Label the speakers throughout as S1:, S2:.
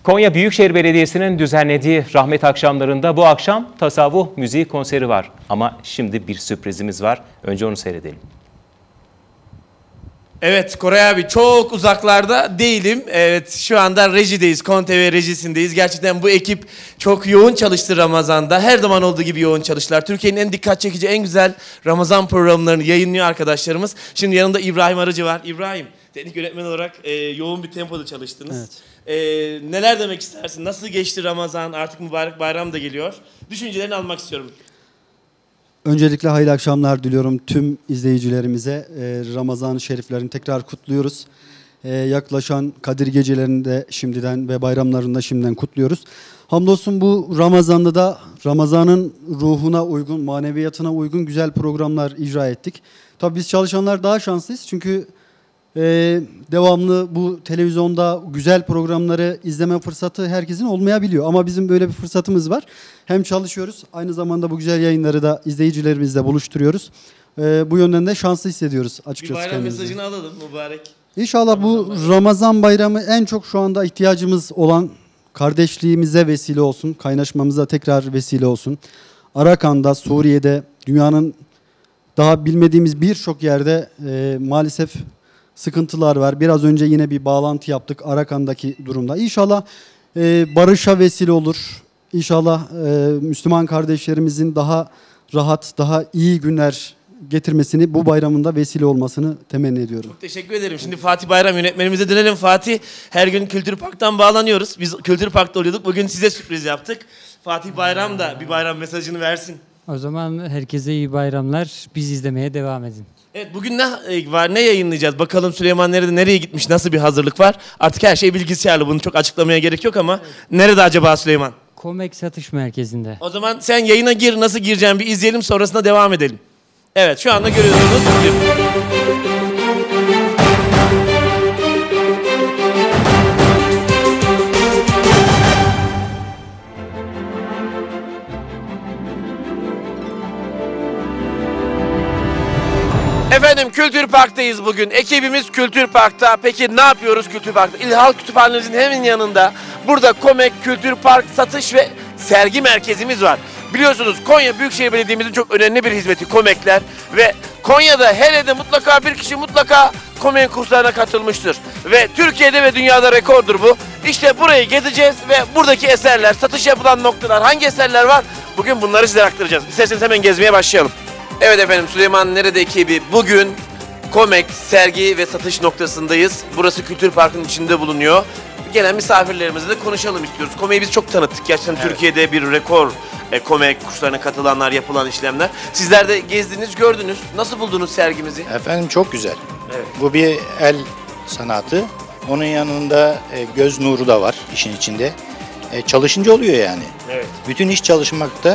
S1: Konya Büyükşehir Belediyesi'nin düzenlediği rahmet akşamlarında bu akşam tasavvuf müziği konseri var. Ama şimdi bir sürprizimiz var. Önce onu seyredelim.
S2: Evet Koray abi, çok uzaklarda değilim. Evet, şu anda rejideyiz. KON TV rejisindeyiz. Gerçekten bu ekip çok yoğun çalıştı Ramazan'da. Her zaman olduğu gibi yoğun çalıştılar. Türkiye'nin en dikkat çekici, en güzel Ramazan programlarını yayınlıyor arkadaşlarımız. Şimdi yanında İbrahim Arıcı var. İbrahim, teknik yönetmen olarak yoğun bir tempoda çalıştınız. Evet. Neler demek istersin? Nasıl geçti Ramazan? Artık mübarek bayram da geliyor. Düşüncelerini almak istiyorum.
S3: Öncelikle hayırlı akşamlar diliyorum tüm izleyicilerimize. Ramazan-ı Şeriflerini tekrar kutluyoruz. Yaklaşan Kadir gecelerini de şimdiden ve bayramlarını da şimdiden kutluyoruz. Hamdolsun bu Ramazan'da da Ramazan'ın ruhuna uygun, maneviyatına uygun güzel programlar icra ettik. Tabii biz çalışanlar daha şanslıyız çünkü devamlı bu televizyonda güzel programları izleme fırsatı herkesin olmayabiliyor. Ama bizim böyle bir fırsatımız var. Hem çalışıyoruz, aynı zamanda bu güzel yayınları da izleyicilerimizle buluşturuyoruz. Bu yönden de şanslı hissediyoruz açıkçası.
S2: Bir bayram mesajını alalım mübarek.
S3: İnşallah bu Ramazan bayramı en çok şu anda ihtiyacımız olan kardeşliğimize vesile olsun, kaynaşmamıza tekrar vesile olsun. Arakan'da, Suriye'de, dünyanın daha bilmediğimiz birçok yerde maalesef sıkıntılar var. Biraz önce yine bir bağlantı yaptık Arakan'daki durumda. İnşallah barışa vesile olur. İnşallah Müslüman kardeşlerimizin daha rahat, daha iyi günler getirmesini, bu bayramında vesile olmasını temenni ediyorum.
S2: Çok teşekkür ederim. Şimdi Fatih Bayram yönetmenimize dönelim. Fatih, her gün Kültür Park'tan bağlanıyoruz. Biz Kültür Park'ta oluyorduk. Bugün size sürpriz yaptık. Fatih Bayram da bir bayram mesajını versin.
S4: O zaman herkese iyi bayramlar. Biz izlemeye devam edin.
S2: Evet, bugün ne var, ne yayınlayacağız? Bakalım Süleyman nereye gitmiş, nasıl bir hazırlık var? Artık her şey bilgisayarlı, bunu çok açıklamaya gerek yok ama nerede acaba Süleyman?
S4: Komek Satış Merkezi'nde.
S2: O zaman sen yayına gir, nasıl gireceğim bir izleyelim, sonrasında devam edelim. Evet, şu anda görüyorsunuz. Efendim, Kültür Park'tayız bugün. Ekibimiz Kültür Park'ta. Peki ne yapıyoruz Kültür Park'ta? İl Halk Kütüphanemizin hemen yanında burada Komek Kültür Park satış ve sergi merkezimiz var. Biliyorsunuz Konya Büyükşehir Belediye'mizin çok önemli bir hizmeti Komekler ve Konya'da her evde mutlaka bir kişi mutlaka Komek kurslarına katılmıştır. Ve Türkiye'de ve dünyada rekordur bu. İşte burayı gezeceğiz ve buradaki eserler, satış yapılan noktalar, hangi eserler var? Bugün bunları size aktaracağız. İsterseniz hemen gezmeye başlayalım. Evet efendim, Süleyman Nerede ekibi bugün Komek sergi ve satış noktasındayız. Burası Kültür Park'ın içinde bulunuyor. Gelen misafirlerimizle de konuşalım istiyoruz. Komek'i biz çok tanıttık. Gerçekten evet. Türkiye'de bir rekor Komek kurslarına katılanlar, yapılan işlemler. Sizler de gezdiniz, gördünüz. Nasıl buldunuz sergimizi?
S5: Efendim çok güzel.
S2: Evet.
S5: Bu bir el sanatı. Onun yanında göz nuru da var işin içinde. Çalışınca oluyor yani.
S2: Evet.
S5: Bütün iş çalışmakta.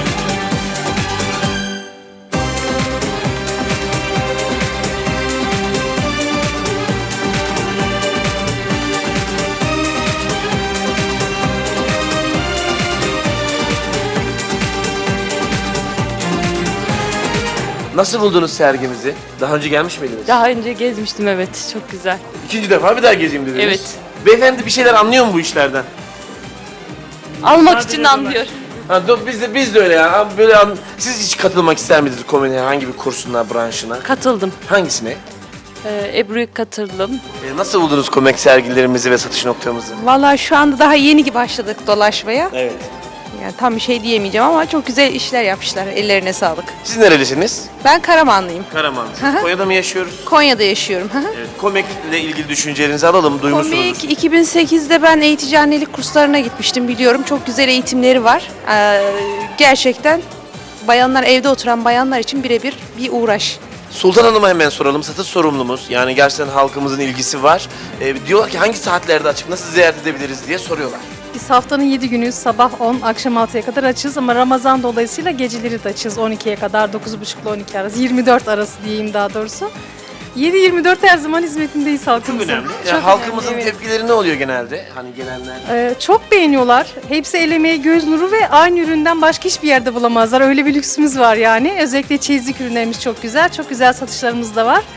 S2: Nasıl buldunuz sergimizi? Daha önce gelmiş miydiniz?
S6: Daha önce gezmiştim, evet. Çok güzel.
S2: İkinci defa bir daha gezeyim dediniz.
S6: Evet.
S2: Beyefendi bir şeyler anlıyor mu bu işlerden?
S6: Almak için anlıyor.
S2: Ha, biz de öyle ya. Böyle siz hiç katılmak ister miydiniz komediye? Hangi bir kursuna, branşına?
S6: Katıldım.
S2: Hangisine?
S6: Ebru'ya katıldım.
S2: Nasıl buldunuz komik sergilerimizi ve satış noktamızı?
S7: Vallahi şu anda daha yeni başladık dolaşmaya.
S2: Evet.
S7: Yani tam bir şey diyemeyeceğim ama çok güzel işler yapmışlar. Ellerine sağlık.
S2: Siz nerelisiniz?
S7: Ben Karamanlıyım.
S2: Karamanlısınız. Konya'da mı yaşıyoruz?
S7: Konya'da yaşıyorum.
S2: Evet. Komikle ilgili düşüncelerinizi alalım. Duymuşsunuz.
S7: Komik 2008'de ben eğitici annelik kurslarına gitmiştim, biliyorum. Çok güzel eğitimleri var. Gerçekten bayanlar, evde oturan bayanlar için birebir bir uğraş.
S2: Sultan Hanım'a hemen soralım. Satış sorumlumuz. Yani gerçekten halkımızın ilgisi var. Diyorlar ki hangi saatlerde açık, nasıl ziyaret edebiliriz diye soruyorlar.
S8: Biz haftanın 7 günü sabah 10, akşam 6'ya kadar açız ama Ramazan dolayısıyla geceleri de açız 12'ye kadar, 9.30 ile 12 arası, 24 arası diyeyim daha doğrusu. 7-24 her zaman hizmetindeyiz halkımızın.
S2: Çok önemli.
S8: Çok
S2: halkımızın
S8: önemli, evet.
S2: tepkileri ne oluyor genelde? Hani gelenler.
S8: Çok beğeniyorlar. Hepsi el emeği, göz nuru ve aynı üründen başka hiçbir yerde bulamazlar. Öyle bir lüksümüz var yani. Özellikle çeyizlik ürünlerimiz çok güzel. Çok güzel satışlarımız da var.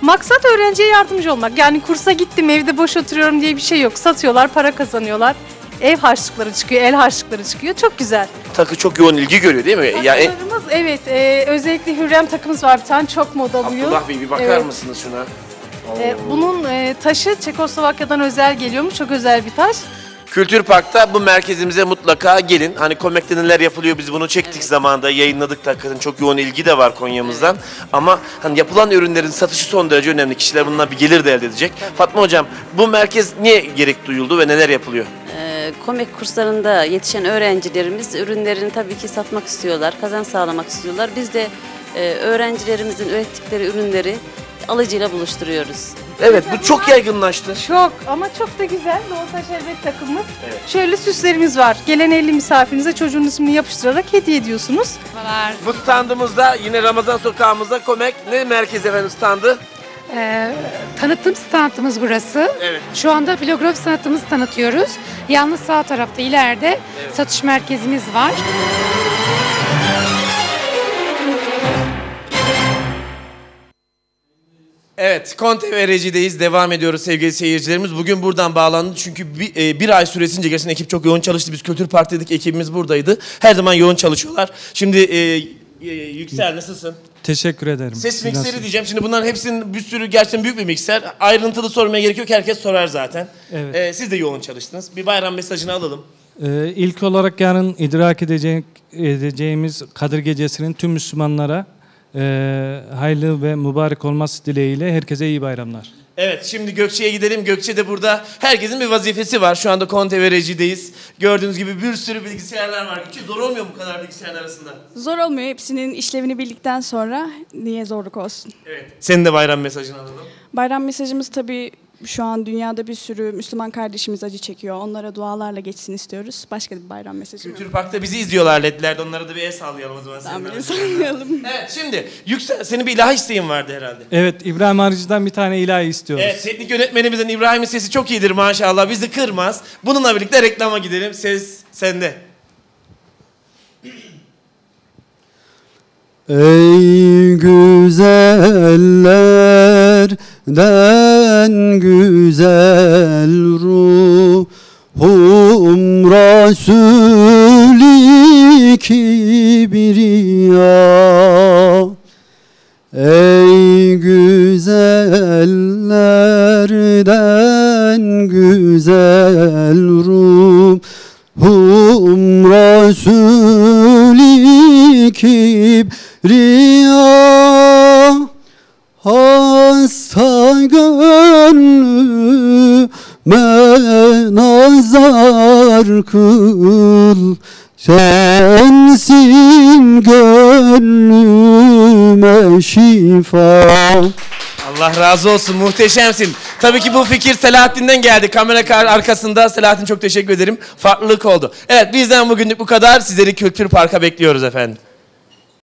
S8: Maksat öğrenciye yardımcı olmak. Yani kursa gittim evde boş oturuyorum diye bir şey yok. Satıyorlar, para kazanıyorlar. Ev harçlıkları çıkıyor, el harçlıkları çıkıyor. Çok güzel.
S2: Takı çok yoğun ilgi görüyor değil mi? Yani
S8: Takılarımız evet, özellikle Hürrem takımız var bir tane, çok moda bu yıl.
S2: Abdullah Bey bir bakar
S8: Evet.
S2: mısınız şuna?
S8: Bunun taşı Çekoslovakya'dan özel geliyormuş, çok özel bir taş.
S2: Kültür Park'ta bu merkezimize mutlaka gelin. Hani Komek'te neler yapılıyor biz bunu çektik zamanında, yayınladık da hakikaten çok yoğun ilgi de var Konya'mızdan. Ama hani yapılan ürünlerin satışı son derece önemli. Kişiler bundan bir gelir de elde edecek. Fatma Hocam, bu merkez niye gerek duyuldu ve neler yapılıyor?
S9: Komek kurslarında yetişen öğrencilerimiz ürünlerini tabii ki satmak istiyorlar, kazanç sağlamak istiyorlar. Biz de öğrencilerimizin ürettikleri ürünleri alıcıyla buluşturuyoruz.
S2: Evet, bu çok yaygınlaştı.
S8: Çok ama çok da güzel. Doğuta şerbet takımımız. Şöyle süslerimiz var. Gelen 50 misafirinize çocuğun ismini yapıştırarak hediye ediyorsunuz.
S2: Bu standımızda yine Ramazan sokağımızda Komek ne merkezi efendim standı?
S10: Tanıtım standımız burası.
S2: Evet.
S10: Şu anda filografi sanatımızı tanıtıyoruz. Yalnız sağ tarafta ileride satış merkezimiz var.
S2: Evet, KonTV'deyiz. Devam ediyoruz sevgili seyircilerimiz. Bugün buradan bağlandı çünkü bir ay süresince gerçekten ekip çok yoğun çalıştı. Biz Kültür Park'taydık, ekibimiz buradaydı. Her zaman yoğun çalışıyorlar. Şimdi Yüksel nasılsın?
S11: Teşekkür ederim.
S2: Ses mikseri diyeceğim. Şimdi bunların hepsinin bir sürü gerçekten büyük bir mikser. Ayrıntılı sormaya gerek yok. Herkes sorar zaten.
S11: Evet.
S2: Siz de yoğun çalıştınız. Bir bayram mesajını alalım.
S11: İlk olarak yarın idrak edeceğimiz Kadir Gecesi'nin tüm Müslümanlara hayırlı ve mübarek olması dileğiyle herkese iyi bayramlar.
S2: Evet, şimdi Gökçe'ye gidelim. Gökçe de burada. Herkesin bir vazifesi var. Şu anda KonTV'deyiz. Gördüğünüz gibi bir sürü bilgisayarlar var. Gökçe, zor olmuyor mu bu kadar bilgisayarın arasında?
S12: Zor olmuyor. Hepsinin işlevini bildikten sonra niye zorluk olsun?
S2: Evet. Senin de bayram mesajını alalım.
S12: Bayram mesajımız tabii şu an dünyada bir sürü Müslüman kardeşimiz acı çekiyor. Onlara dualarla geçsin istiyoruz. Başka bir bayram mesajı
S2: Kültür Park'ta bizi izliyorlar ledlerde. Onlara da bir el sallayalım o zaman.
S12: Tamam, bir sallayalım.
S2: Evet, şimdi Yüksel, senin bir ilahi isteğin vardı herhalde.
S11: Evet, İbrahim Arıcı'dan bir tane ilahi istiyoruz.
S2: Evet, teknik yönetmenimizin İbrahim'in sesi çok iyidir maşallah. Bizi kırmaz. Bununla birlikte reklama gidelim. Ses sende.
S3: Ey güzellerden güzel ruhum Resul-i Kibriya. Ey güzellerden güzel ruhum Resul-i Kibriya. Hasta gönlüme nazar kıl, sensin gönlüme şifa.
S2: Allah razı olsun, muhteşemsin. Tabii ki bu fikir Selahattin'den geldi. Kamera arkasında Selahattin, çok teşekkür ederim. Farklılık oldu. Evet, bizden bugünlük bu kadar. Sizleri Kültür Park'a bekliyoruz efendim.